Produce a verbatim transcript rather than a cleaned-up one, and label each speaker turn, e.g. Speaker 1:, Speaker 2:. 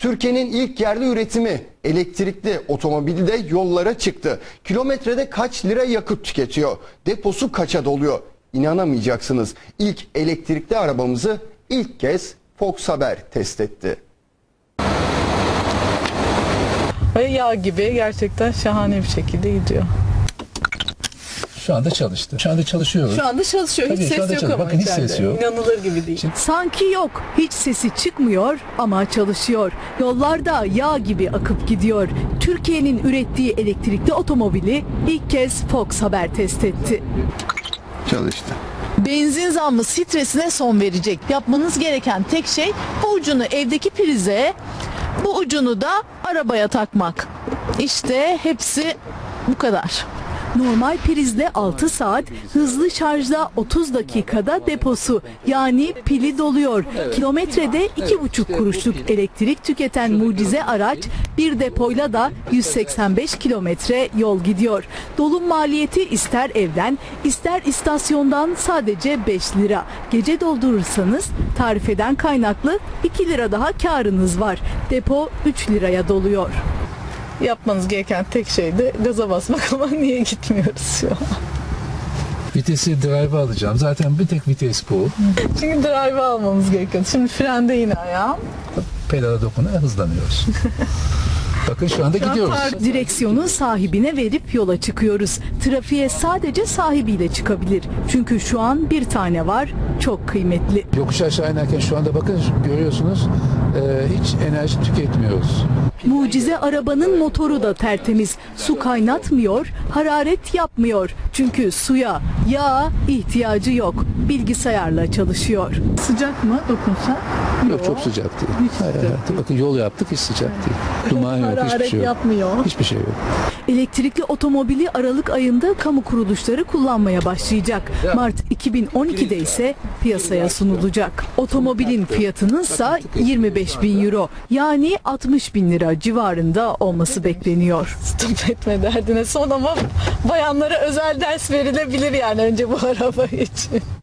Speaker 1: Türkiye'nin ilk yerli üretimi elektrikli otomobili de yollara çıktı. Kilometrede kaç lira yakıt tüketiyor? Deposu kaça doluyor? İnanamayacaksınız. İlk elektrikli arabamızı ilk kez Fox Haber test etti.
Speaker 2: Ve yağ gibi gerçekten şahane bir şekilde gidiyor.
Speaker 3: Şu anda çalıştı. Şu anda çalışıyoruz.
Speaker 2: Şu anda çalışıyor. Hiç
Speaker 3: Tabii,
Speaker 2: ses yok
Speaker 3: çalışıyor.
Speaker 2: ama
Speaker 3: Bakın hiç
Speaker 2: içeride.
Speaker 3: ses yok.
Speaker 2: İnanılır gibi değil.
Speaker 3: Şimdi,
Speaker 4: Sanki yok, hiç sesi çıkmıyor ama çalışıyor. Yollarda yağ gibi akıp gidiyor. Türkiye'nin ürettiği elektrikli otomobili ilk kez Fox Haber test etti.
Speaker 1: Çalıştı.
Speaker 5: Benzin zammı stresine son verecek. Yapmanız gereken tek şey bu ucunu evdeki prize, bu ucunu da arabaya takmak. İşte hepsi bu kadar.
Speaker 4: Normal prizde altı saat, hızlı şarjda otuz dakikada deposu yani pili doluyor. Kilometrede iki buçuk kuruşluk elektrik tüketen mucize araç bir depoyla da yüz seksen beş kilometre yol gidiyor. Dolum maliyeti ister evden ister istasyondan sadece beş lira. Gece doldurursanız tarifeden kaynaklı iki lira daha karınız var. Depo üç liraya doluyor.
Speaker 2: Yapmanız gereken tek şey de gaza basmak ama niye gitmiyoruz şu an?
Speaker 3: vitesi drive'a alacağım. Zaten bir tek vites bu.
Speaker 2: Çünkü drive almamız gerekiyor. Şimdi frende yine ayağım.
Speaker 3: Pedala dokuna hızlanıyoruz. Bakın şu anda gidiyoruz.
Speaker 4: Direksiyonu sahibine verip yola çıkıyoruz. Trafiğe sadece sahibiyle çıkabilir. Çünkü şu an bir tane var, çok kıymetli.
Speaker 3: Yokuş aşağı inerken şu anda bakın görüyorsunuz e, hiç enerji tüketmiyoruz.
Speaker 4: Mucize arabanın motoru da tertemiz. Su kaynatmıyor, hararet yapmıyor. Çünkü suya, yağa ihtiyacı yok. Bilgisayarla çalışıyor.
Speaker 2: Sıcak mı dokunsa?
Speaker 3: Yok, çok sıcak değil. Hayır, hayır. Bakın yol yaptık, hiç sıcak değil. Duman yok, hiçbir
Speaker 2: Hararet
Speaker 3: şey yok.
Speaker 2: yapmıyor.
Speaker 3: Hiçbir şey yok.
Speaker 4: Elektrikli otomobili Aralık ayında kamu kuruluşları kullanmaya başlayacak. Mart iki bin on iki'de ise piyasaya sunulacak. Otomobilin fiyatının ise yirmi beş bin euro yani altmış bin lira civarında olması bekleniyor.
Speaker 2: Stop etme derdine son ama bayanlara özel ders verilebilir yani önce bu araba için.